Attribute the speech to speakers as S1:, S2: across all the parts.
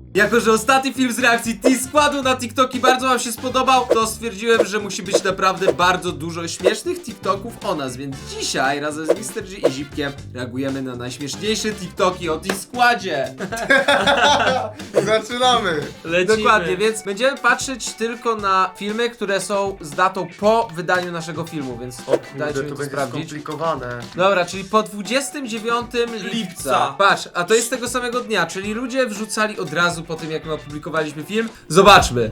S1: Jako że ostatni film z reakcji T-Składu na TikToki bardzo wam się spodobał, to stwierdziłem, że musi być naprawdę bardzo dużo śmiesznych TikToków o nas, więc dzisiaj razem z Mr. G i Zipkiem reagujemy na najśmieszniejsze TikToki o T-Składzie.
S2: Zaczynamy!
S3: Lecimy.
S1: Dokładnie, więc będziemy patrzeć tylko na filmy, które są z datą po wydaniu naszego filmu, więc dajcie mi to sprawdzić.
S2: skomplikowane.
S1: Dobra, czyli po 29 lipca. Patrz, a to jest tego samego dnia, czyli ludzie wrzucali od razu po tym, jak my opublikowaliśmy film. Zobaczmy.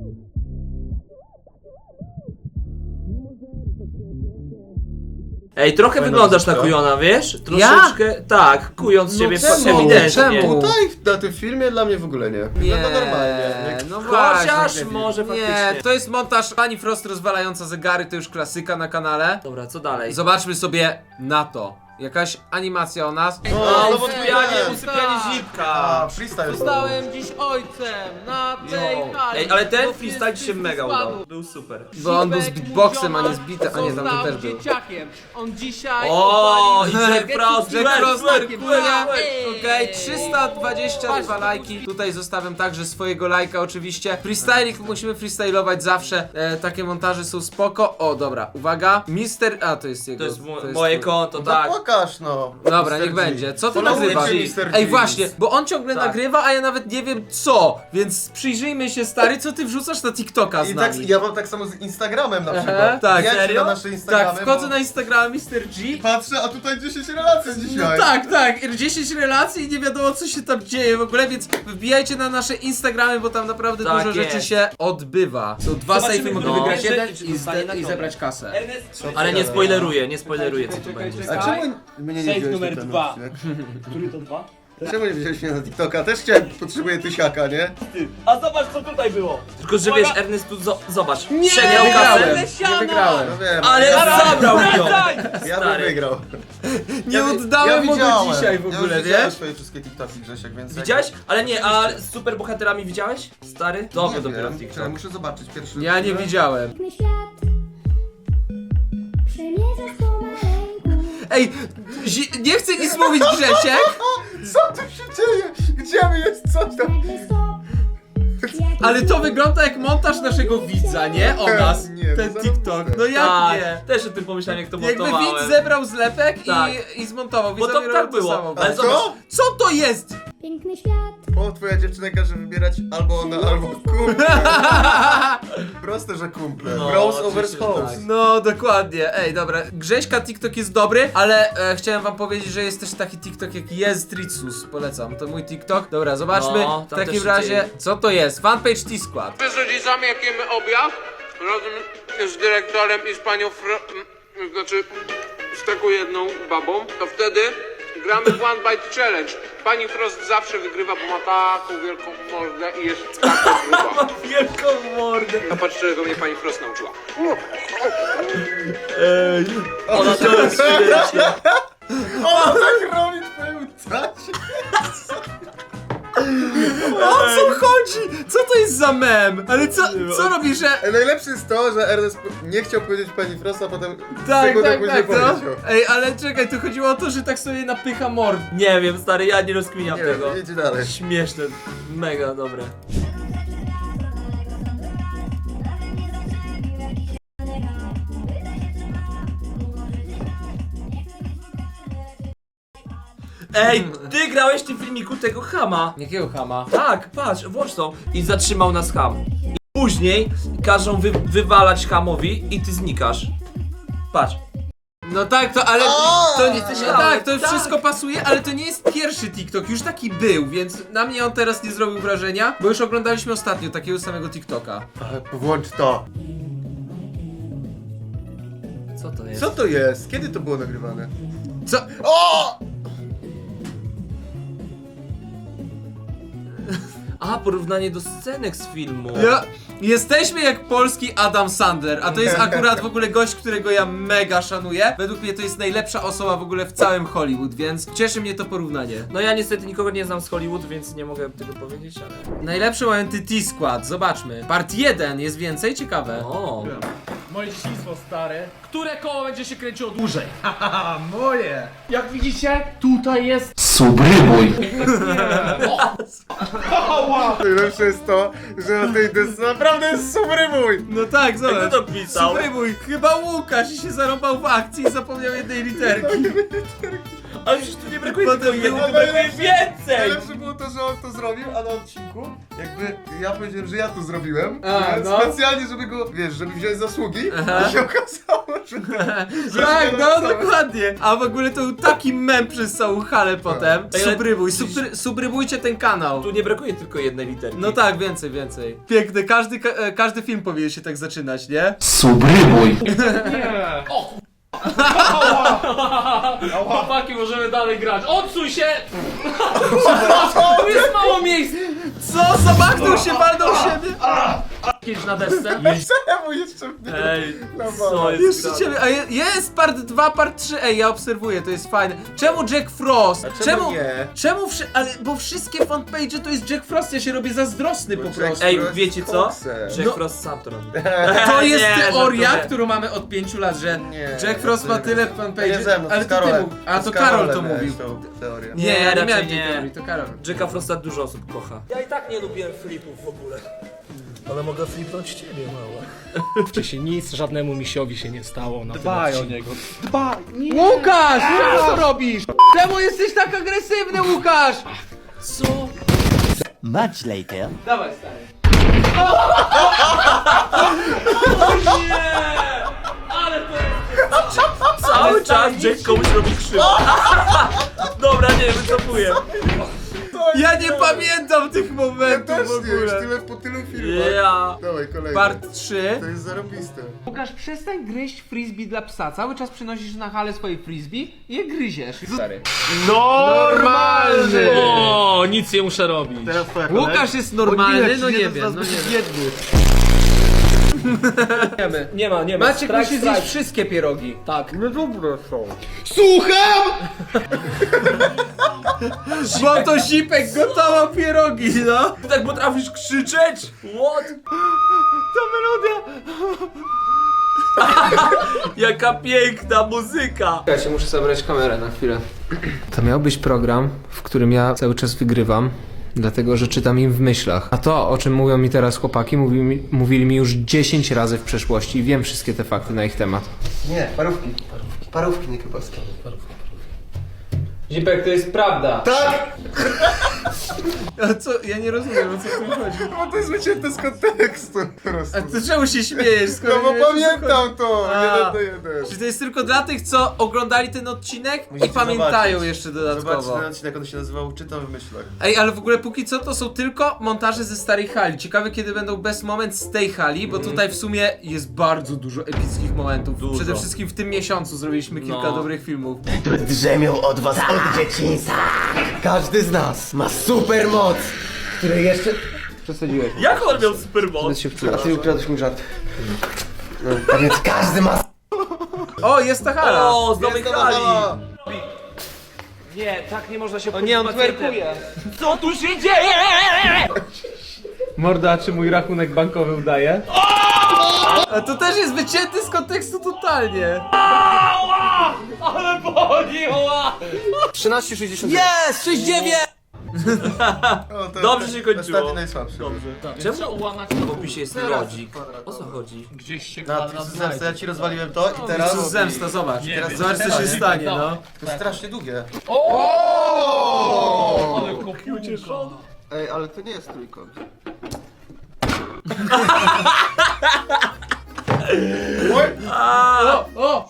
S3: Ej, trochę
S2: Fajna
S3: wyglądasz na
S2: muzyka.
S3: kujona, wiesz? Troszeczkę, tak, kując
S1: No
S3: siebie
S1: czemu?
S3: ewidentnie.
S1: Czemu?
S2: Tutaj na tym filmie dla mnie w ogóle nie. Wygląda normalnie.
S1: no
S3: Chociaż
S1: właśnie.
S3: może faktycznie.
S1: Nie, to jest montaż Pani Frost rozwalająca zegary, to już klasyka na kanale.
S3: Dobra, co dalej?
S1: Zobaczmy sobie na to. Jakaś animacja o nas.
S3: O,
S2: znowu
S3: usypianie zipka.
S2: A, freestyle.
S4: Zostałem dziś ojcem na tej hali.
S3: Ej, ale ten
S4: Bo
S3: freestyle ci się
S4: wszyscy
S3: mega
S4: spadł.
S3: udał. Był super.
S1: Bo on był z
S4: Zipek,
S1: beatboxem, a
S4: mój
S1: nie z bitem. A nie, tam to
S4: został
S1: też był.
S4: dzieciakiem. On dzisiaj
S3: O,
S4: opalił
S3: i Jack
S4: energetyk
S3: Frost,
S4: z
S1: Jack
S3: Twerk,
S1: Frost
S3: twerk,
S1: tarkuje.
S3: twerk.
S1: Okej, 322 lajki. Tutaj zostawiam także swojego lajka oczywiście. Freestyling musimy freestylować zawsze. Takie montaże są spoko. O, dobra, uwaga. Mister... A, to jest jego.
S3: To jest moje
S1: twój.
S3: konto,
S2: No
S3: tak.
S2: pokaż no.
S1: Dobra,
S2: Mr.
S1: niech
S2: G.
S1: będzie. Co ty
S2: Followujcie
S1: nagrywasz?
S2: Mr. G.
S1: Ej, właśnie, bo on ciągle
S3: Tak.
S1: nagrywa, a ja nawet nie wiem co. Więc przyjrzyjmy się, stary, co ty wrzucasz na TikToka z
S2: I
S1: nami.
S2: tak, ja mam tak samo z Instagramem na
S1: Aha,
S2: przykład.
S1: tak.
S2: Wjedźcie
S3: Serio?
S2: na nasze Instagramy,
S1: Tak, wchodzę
S2: bo
S1: na Instagrama Mr. G.
S2: patrzę, a tutaj 10 relacji dzisiaj.
S1: Tak, tak, 10 relacji i nie wiadomo co się tam dzieje w ogóle, więc wbijajcie na nasze Instagramy, bo tam naprawdę
S3: Tak
S1: dużo rzeczy
S3: jest.
S1: się odbywa. Są dwa
S3: Zobaczymy,
S1: sejfy, mogę
S3: no.
S1: wygrać jeden
S3: Czy dostanie
S1: i
S3: nagrodę.
S1: zebrać kasę.
S3: Ale nie spoileruję co tu będzie.
S2: A czemu mnie nie
S4: Sejf
S2: wziąłeś
S4: numer
S2: na ten
S4: 2.
S2: odcinek?
S4: Który to 2?
S2: Czemu nie wziąłeś mnie na TikToka? Też chciałem, potrzebuję tysiaka, nie?
S4: A zobacz co tutaj było.
S3: Tylko, że wiesz, Ernest tu zobacz.
S1: Nie,
S3: Przegrał
S1: wygrałem.
S3: kasę.
S1: Nie wygrałem.
S2: No wiem.
S3: Ale zabrał mi ją.
S2: Ja bym
S3: Stary.
S2: wygrał.
S1: Nie oddałem mu go
S2: widziałem.
S1: dzisiaj w
S2: Ja
S1: ogóle,
S2: już widziałem
S1: wiesz?
S2: swoje wszystkie TikToki, Grzesiek, więc...
S3: Widziałeś? Ale nie, a z super bohaterami widziałeś? Stary? To
S2: Nie
S3: dopiero
S2: wiem,
S3: TikTok.
S2: muszę zobaczyć pierwszy.
S1: Ja nie widziałem.
S5: Piękny świat przemierza słowa ręku.
S1: Ej, nie chcę nic mówić, Grzesiek,
S2: Co tu się dzieje? Gdzie my jest coś tam?
S5: Nagle stop.
S1: ale to wygląda jak montaż naszego widza, nie? O nas,
S2: Nie,
S1: ten
S2: to
S1: TikTok. No jak
S3: Tak,
S1: nie?
S3: też o tym pomyślałem, jak to
S1: Jakby
S3: montowałem.
S1: widz zebrał zlepek
S3: Tak.
S1: i zmontował.
S3: Bo to
S1: Widzowie
S3: tak
S1: robią
S3: było.
S1: samo.
S3: Ale
S2: A
S3: zobacz,
S2: co?
S1: Co to jest?
S5: Piękny świat
S2: O, twoja dziewczyna każe wybierać albo ona, albo kumple. Proste, że kumple.
S3: No,
S2: Bros over
S3: oczywiście, że
S2: house.
S3: tak.
S1: No, dokładnie. Ej, dobra. Grześka TikTok jest dobry, ale chciałem wam powiedzieć, że jest też taki TikTok jak Jezdritsus. Polecam, to mój TikTok. Dobra, zobaczmy
S3: No,
S1: w
S3: tam też
S1: takim
S3: się
S1: razie,
S3: dzieje.
S1: co to jest. Fanpage T-Skład.
S6: My z rodzicami jak jemy obiad, razem z dyrektorem i z panią znaczy z taką jedną babą, to wtedy gramy w One Bite Challenge. Pani Frost zawsze wygrywa, bo ma taką wielką mordę i jest taka gruba.
S3: wielką mordę.
S6: A patrz, czego mnie pani Frost nauczyła.
S3: Ona to jest świetnie.
S2: O, tak robi twoją tacie.
S1: O co chodzi? Co to jest za mem? Ale co robisz, że...
S2: Najlepsze jest to, że Ernest nie chciał powiedzieć pani Frost, a potem
S1: Tak,
S2: sekundę
S1: tak,
S2: później
S1: tak, no.
S2: powiedział.
S1: Ej, ale czekaj, tu chodziło o to, że tak sobie napycha mord.
S3: Nie wiem, stary, ja nie rozkminiam
S2: Nie
S3: tego.
S2: wiem, idź dalej.
S3: Śmieszne, mega dobre. Ej, ty grałeś w tym filmiku tego chama.
S1: Jakiego chama?
S3: Tak, patrz, włącz to. I zatrzymał nas ham. I później każą wywalać hamowi i ty znikasz. Patrz.
S1: No tak, to ale to nie,
S3: Jesteś
S1: no
S3: mały,
S1: tak, to
S3: tak.
S1: wszystko pasuje, ale to nie jest pierwszy TikTok, już taki był, więc na mnie on teraz nie zrobił wrażenia, bo już oglądaliśmy ostatnio takiego samego TikToka.
S2: Włącz to.
S3: Co to jest?
S2: Co to jest? Kiedy to było nagrywane?
S1: Co?
S2: O!
S3: A, porównanie do scenek z filmu.
S1: Jesteśmy jak polski Adam Sandler, a to jest akurat w ogóle gość, którego ja mega szanuję. Według mnie to jest najlepsza osoba w ogóle w całym Hollywood, więc cieszy mnie to porównanie.
S3: No ja niestety nikogo nie znam z Hollywood, więc nie mogę tego powiedzieć, ale...
S1: Najlepsze momenty T-Skład, zobaczmy. Part 1 jest więcej, ciekawe.
S3: O.
S4: Moje dzieciństwo stare. Które koło będzie się kręciło dłużej?
S2: A moje!
S4: Jak widzicie, tutaj jest...
S3: Subrybuj.
S2: Najlepsze jest to, że na tej desce naprawdę jest subrybuj!
S1: No tak, zobacz.
S3: Kto to pisał?
S1: Subrybuj. Chyba Łukasz i się zarąbał w akcji i zapomniał jednej literki.
S3: Ale przecież tu nie brakuje
S1: Potem
S3: tylko jednej,
S1: było
S3: tu brakuje więcej!
S2: Najlepsze było to, że on to zrobił, a na odcinku jakby ja powiedziałem, że ja to zrobiłem,
S1: A,
S2: więc
S1: no.
S2: specjalnie, żeby go, wiesz, żeby wziąć zasługi
S1: Aha.
S2: i się okazało, że
S1: Tak,
S2: że
S1: no
S2: to
S1: dokładnie. A w ogóle to był taki mem przez całą halę potem.
S3: Ej, ale-
S1: Subrybuj, subrybujcie ten kanał.
S3: Tu nie brakuje tylko jednej literki.
S1: No tak, więcej. Piękne, każdy film powinien się tak zaczynać, nie?
S3: Subrybuj.
S4: Chłopaki, możemy dalej grać. Odsuń się! Tu jest mało miejsc!
S1: Co? Zamachnął się, walnął w siebie?
S4: Kiedyś na desce.
S2: czemu jeszcze mnie?
S3: Ej,
S2: No
S3: co jest
S1: Jeszcze
S3: grane?
S1: ciebie, a jest part 2, part 3, ej, ja obserwuję, to jest fajne. Czemu Jack Frost?
S2: czemu nie?
S1: Czemu ale, bo wszystkie fanpage to jest Jack Frost, ja się robię zazdrosny po
S2: Jack
S1: prostu.
S3: Ej,
S2: Frost
S3: wiecie co?
S2: koksem.
S3: Jack
S1: No.
S3: Frost sam to robi.
S1: To jest
S3: Nie,
S1: teoria,
S3: żartuję.
S1: którą mamy od 5 lat, że
S2: Nie,
S1: Jack Frost ma
S2: to
S1: tyle
S2: nie
S1: fanpage,
S2: ze mną,
S1: ale
S2: z
S1: to ty
S2: Karolem.
S1: mógł. A
S2: Z
S1: to Karol to
S2: Karolem
S1: mówił.
S2: miałeś tą teorię.
S1: Nie, ja nie
S3: raczej
S1: miałem tej
S3: nie.
S1: teorii, to Karol.
S3: Jacka Frosta dużo osób kocha.
S7: Ja i tak nie lubiłem flipów w ogóle. Ale mogę flipnąć ciebie, mała.
S4: Wcześniej nic żadnemu misiowi się nie stało na
S7: Dbaj o niego.
S1: Łukasz! Co to robisz? Czemu jesteś tak agresywny, Łukasz?
S3: Co?
S8: Much later.
S1: Dawaj, stary.
S3: Cały czas Jack komuś robi krzywdę. Dobra, nie, wycofuję.
S1: Ja nie pamiętam tych
S2: Ja
S1: momentów
S2: też
S1: w
S2: nie, już
S1: ogóle.
S2: tyle po tylu filmach.
S3: Ja.
S2: Dawaj, kolejny.
S1: Part 3.
S2: To jest zarobiste.
S1: Łukasz, przestań gryźć frisbee dla psa. Cały czas przynosisz na halę swoje frisbee i je gryziesz. Stary. Normalny!
S4: O, nic nie muszę robić.
S1: Łukasz jest normalny? No nie wiem, no nie wiem.
S7: Nie ma.
S1: Maciek
S7: Strike,
S1: musi zjeść
S7: strike.
S1: wszystkie pierogi.
S7: Tak.
S2: Słucham!
S1: Bo to Zipek gotował pierogi, no.
S3: Ty tak potrafisz krzyczeć? What?
S1: To melodia.
S3: Jaka piękna muzyka.
S1: Czekajcie, muszę zabrać kamerę na chwilę. To miał być program, w którym ja cały czas wygrywam, dlatego że czytam im w myślach. A to, o czym mówią mi teraz chłopaki, mówili mi już 10 razy w przeszłości i wiem wszystkie te fakty na ich temat.
S2: Nie, parówki. Parówki, nie kiełbaski.
S1: Zipek, to jest prawda.
S2: Tak!
S1: A co? Ja nie rozumiem, o co tu chodzi.
S2: Bo to jest wycięte z kontekstu po prostu.
S1: A ty czemu się śmiejesz, skoro
S2: No bo
S1: nie wiesz, o co chodzi?
S2: pamiętam to!
S1: A.
S2: 1-1.
S1: Czy to jest tylko dla tych, co oglądali ten odcinek
S2: Musicie
S1: i pamiętają
S2: zobaczyć.
S1: jeszcze
S2: Zobacz
S1: dodatkowo?
S2: ten odcinek, on się nazywał Czytam w myślach.
S1: Ej, ale w ogóle póki co to są tylko montaże ze starej hali. Ciekawe kiedy będą best moment z tej hali, bo tutaj w sumie jest bardzo dużo epickich momentów.
S3: Dużo.
S1: Przede wszystkim w tym miesiącu zrobiliśmy kilka
S3: No.
S1: dobrych filmów.
S8: Drzemią od was od dzieciństwa. Każdy z nas ma super moc, której jeszcze...
S1: Przesadziłeś.
S3: Jak on miał supermoc?
S1: się wczułeś.
S2: A ty ukradłeś mi żart.
S8: A więc każdy ma...
S1: O, jest ta hala!
S3: O, z nowej hali.
S7: Nie, tak nie można się
S1: O nie, on
S7: pacjentem.
S1: twerkuje.
S3: Co tu się dzieje?
S1: Morda, czy mój rachunek bankowy udaje? A to też jest wycięty z kontekstu totalnie.
S3: Ale boli, ła!
S8: 13,60.
S7: Jest! 69!
S2: O, to
S3: Dobrze się kończyło.
S2: Ostatni najsłabszy.
S3: Dobrze.
S4: Czemu
S3: Czemu
S4: ułamać
S3: w opisie jest lodzik? O co chodzi?
S4: gdzieś się
S2: Na
S4: kwadrat
S2: zemstę, ja
S4: znajdzie?
S2: ci rozwaliłem to i
S1: To
S2: teraz...
S1: jest zemsta, zobacz.
S4: wiem.
S1: Zobacz co się stanie, no.
S2: To jest strasznie długie.
S4: Ale kopiucieszony.
S2: Ej, ale to nie jest trójkąt.
S1: O!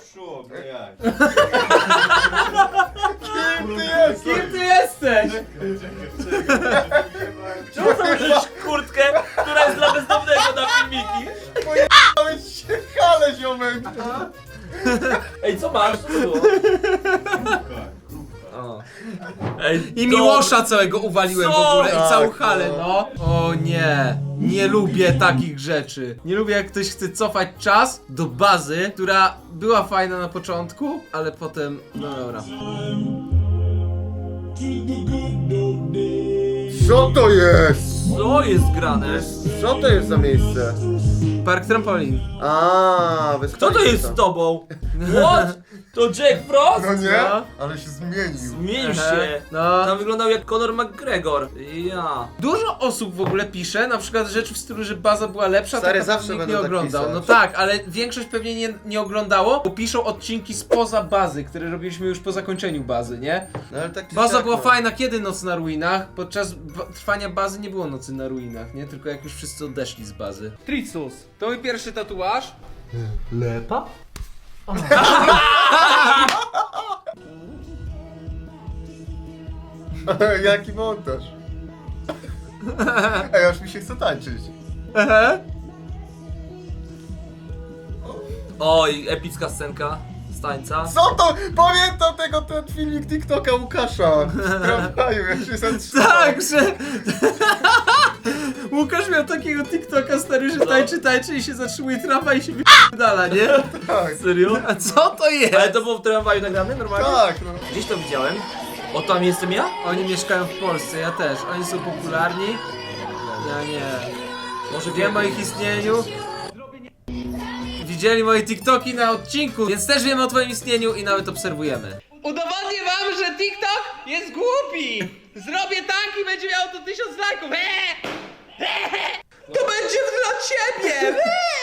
S2: Kim ty jesteś?
S1: Kim ty jesteś?
S3: Czemu założyłeś kurtkę, która jest dla bezdomnego na filmiki?
S2: Dałeś się hale, ziomek!
S3: Ej, co masz? Co to było? O. Ej,
S1: I Miłosza całego uwaliłem w ogóle i całą halę, no. O nie, nie lubię takich rzeczy. Nie lubię jak ktoś chce cofać czas do bazy, która była fajna na początku, ale potem, no dobra.
S2: Co to jest?
S3: Co Co jest grane?
S2: Co to jest za miejsce?
S1: Park trampolin.
S2: A,
S3: Kto to jest z tobą? What? To Jack Frost?
S2: No nie?
S1: No.
S2: Ale się zmienił.
S3: Zmienił się.
S1: No.
S3: Tam wyglądał jak Conor McGregor. Ja.
S1: Dużo osób w ogóle pisze, na przykład rzeczy w stylu, że baza była lepsza,
S2: Stary,
S1: tak
S2: zawsze
S1: nikt
S2: będą
S1: nie
S2: tak
S1: oglądał.
S2: pisać.
S1: No tak, ale większość pewnie nie oglądało, bo piszą odcinki spoza bazy, które robiliśmy już po zakończeniu bazy, nie?
S2: No, ale tak czy
S1: Baza
S2: siak,
S1: była
S2: no.
S1: fajna, kiedy Noc na ruinach? Podczas trwania bazy nie było Nocy na ruinach, nie? Tylko jak już wszyscy odeszli z bazy. Tricus. To mój pierwszy tatuaż.
S7: Lepa?
S2: Jaki montaż. Ej, aż mi się chce tańczyć.
S3: Oj, epicka scenka z tańca.
S2: Co to? Pamiętam ten filmik TikToka Łukasza w tramwaju, jak się zatrzymał.
S1: Tak, że... Łukasz miał takiego TikToka stary, że tańczy i się zatrzymuje trawa i się wyp***dala, nie?
S2: Tak,
S3: Serio?
S1: A co to jest?
S3: Ale to było w tramwaju nagrane normalnie?
S2: tak, no.
S3: Gdzieś to widziałem. O, tam jestem ja?
S1: Oni mieszkają w Polsce, ja też. Oni są popularni. Ja nie.
S3: Może
S1: Wiem o ich istnieniu. Widzieli moje TikToki na odcinku, więc też wiemy o twoim istnieniu i nawet obserwujemy.
S4: Udowodnię wam, że TikTok jest głupi! Zrobię tak i będzie miało to 1000 lajków! To będzie dla ciebie!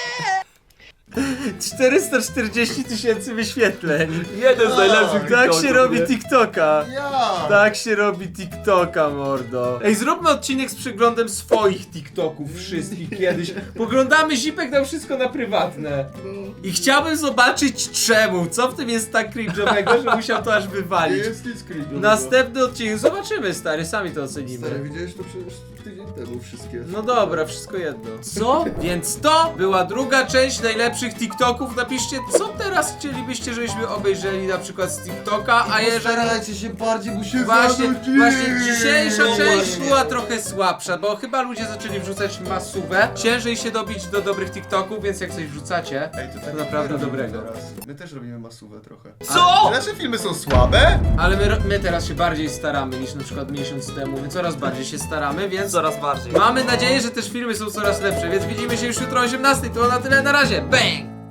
S1: 440 000 wyświetleń.
S3: Jeden z najlepszych
S1: Tak
S3: TikToków,
S1: się robi
S3: nie?
S1: TikToka.
S2: Ja!
S1: Tak się robi TikToka, mordo. Ej, zróbmy odcinek z przeglądem swoich TikToków wszystkich kiedyś. Poglądamy Zipek dał wszystko na prywatne. I chciałbym zobaczyć czemu. Co w tym jest tak cringe'owego, że musiał to aż
S2: Nie
S1: wywalić.
S2: jest nic creepy.
S1: Następny odcinek. Zobaczymy, stary, sami to ocenimy.
S2: Stary, widziałeś to przecież tydzień temu wszystkie.
S1: No dobra, wszystko jedno. Co? Więc to była druga część najlepszych TikToków. Napiszcie, co teraz chcielibyście, żebyśmy obejrzeli na przykład z TikToka, a jeżeli...
S2: Starajcie się bardziej, bo się
S1: Właśnie dzisiejsza
S2: No
S1: część
S2: właśnie.
S1: była trochę słabsza, bo chyba ludzie zaczęli wrzucać masówę. Ciężej się dobić do dobrych TikToków, więc jak coś wrzucacie,
S2: Ej, to tak
S1: naprawdę
S2: my robimy
S1: dobrego.
S2: teraz. My też robimy masówę trochę.
S3: Co?
S2: Nasze filmy są słabe?
S1: Ale my teraz się bardziej staramy niż na przykład miesiąc temu. My coraz bardziej się staramy, więc
S3: Coraz bardziej.
S1: mamy nadzieję, że też filmy są coraz lepsze, więc widzimy się już jutro o 18:00. To na tyle, na razie. Bang!